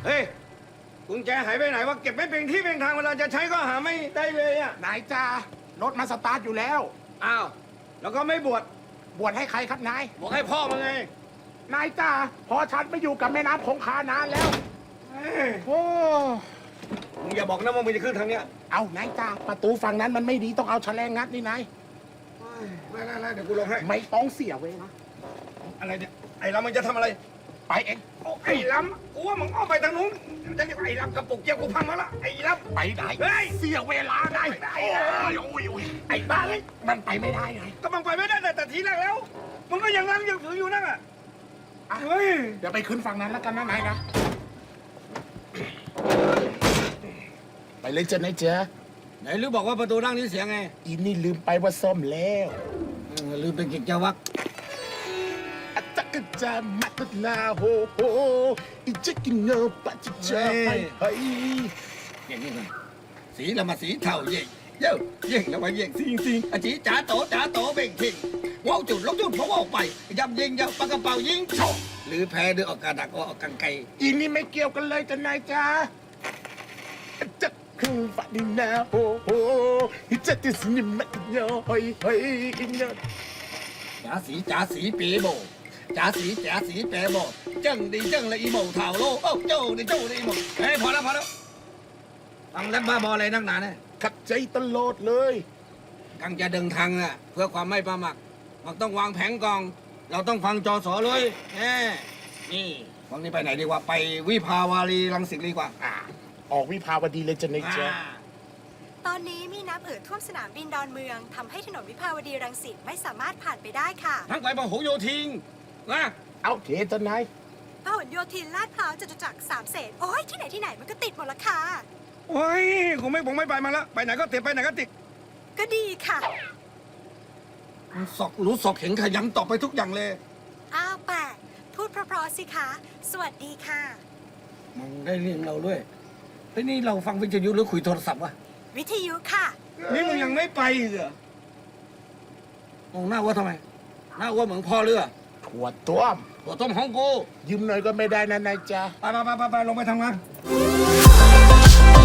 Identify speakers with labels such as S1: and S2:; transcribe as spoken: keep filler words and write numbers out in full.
S1: เฮ้ยกุญแจหายไปไหนวะเก็บไม่เป็นที่เป็นทางเวลาจะใช้ก็หาไม่ได้เลยอ่ะ
S2: นายจ้ารถมาสตาร์ทอยู่แล้ว
S1: อ้าวแล้วก็ไม่บวช
S2: บวชให้ใครครับนาย
S1: บอกให้พ่อมาไง
S2: นายจ้าพอฉันไม่อยู่กับแม่น้ำคงคานานแล้ว
S1: เฮ้ย
S2: โอ้
S1: มึงอย่าบอกนะว่ามึงจะขึ้นทางเนี้ย
S2: เอานายจ้าประตูฝั่งนั้นมันไม่ดีต้องเอาแฉลงงัดนี่นาย
S1: เฮ้ยไม่ไม่ไม่เดี๋ยวกูลงให้
S2: ไม่ต้องเสียเวลา
S1: อะไรเนี่ยไอ้ลำมึงจะทำอะไร
S2: ไปเอง
S1: โอ้ไอ้ลำกูว่ามึงอ้อมไปทางนู้นจะเรียกไอ้ลำกระปุกเกียวกูพังมาละไอ้ลำ
S2: ไปไหน
S1: เฮ้ย
S2: เสียเวลาไง
S1: ไม่ได้
S2: โอ้ยโอ้ยโอ้ยไอ้บ้าเลยมันไปไม่ได้ไง
S1: ก็มึงไปไม่ได้แต่แต่ทีแรกแล้วมึงก็ยังนั่งยังถืออยู่นั่นอ่ะเฮ้ย
S2: เดี๋ยวไปขึ้นฝั่งนั้นแล้วกันนะนายนะไปเลยเจ้านายเจ้า
S1: ไหนลือบอกว่าประตูนั่งนี่เสียงไง
S2: อีนี่ลืมไปว่าซ่อมแล้ว
S1: เออลืมเป็นกิจวัตร
S2: อาจักรจามัดลาโฮโฮอีจักกินเงาปัจจาไปไป
S1: อย่างนี้เลยสีละมาสีเทาเย่งเย้เย่งแล้วมาเย่งซิงซิงอาจีจ๋าโตจ๋าโตเบ่งทิ้งว้าวจุดลบจุดเพราะว่าออกไปยำยิงยำปากกระเป๋ายิงโชกหรือแพ้ด้วยออกกระดักออกกังไก
S2: อีนี่ไม่เกี่ยวกันเลยจ้านายจ้าจักคือฝันนาโฮโฮอีจักติสนิมัดเงาเฮ้ยเฮ้ยอีเงา
S1: จ๋าสีจ๋าสีปีโบจ๋าสีจ๋าสีแปรโบจังดีจังเลยอีโบเท่าโลโอ้เจ้าดีเจ้าดีโบเฮ้ยพอแล้วพอแล้วฟังเล่นบ้าบออะไรนักหนาเนี่ย
S2: ขัดใจตลอดเลย
S1: กังจะดึงทางน่ะเพื่อความไม่ประมาทมันต้องวางแผนกอง เราต้องฟังจอสอเลยแน่นี่วันนี้ไปไหนดีกว่าไปวิภาวารีรังสิตดีกว่า
S2: อ่าออกวิภาวดีเลยจ้านายจ้า
S1: อ่า
S3: ตอนนี้มีน้ำเอ่อท่วมสนามบินดอนเมืองทำให้ถนนวิภาวดีรังสิตไม่สามารถผ่านไปได้ค่ะ
S1: ทั้งไปพหลโยธินนะ
S2: เอาเทจ้านาย
S3: พหลโยธินลาดพร้าวจตุจักรสามเสนโอ้ยที่ไหนที่ไหนมันก็ติดหมดละค่ะ
S1: โอ้ยผมไม่ผมไม่ไปมาแล้วไปไหนก็ติดไปไหนก็ติด
S3: ก็ดีค่ะ
S1: สอกรู้สอกเห็นขยันตอบไปทุกอย่างเลย
S3: อ้าวแปะพูดเพราะๆสิคะ สวัสดีค่ะ
S1: มึงได้เรียงเราด้วยเฮ้ยนี่เราฟังวิทยุหรือคุยโทรศัพท์วะ
S3: วิทยุค่ะ
S1: นี่มึงยังไม่ไปเหรอมองหน้าว่าทำไมหน้าว่าเหมือนพ่อเรือ
S2: ถั่วต้ม
S1: หัวต้มของกู
S2: ยืมหน่อยก็ไม่ได้นะนายจ้า
S1: ไปไปไปไปลงไปทำงาน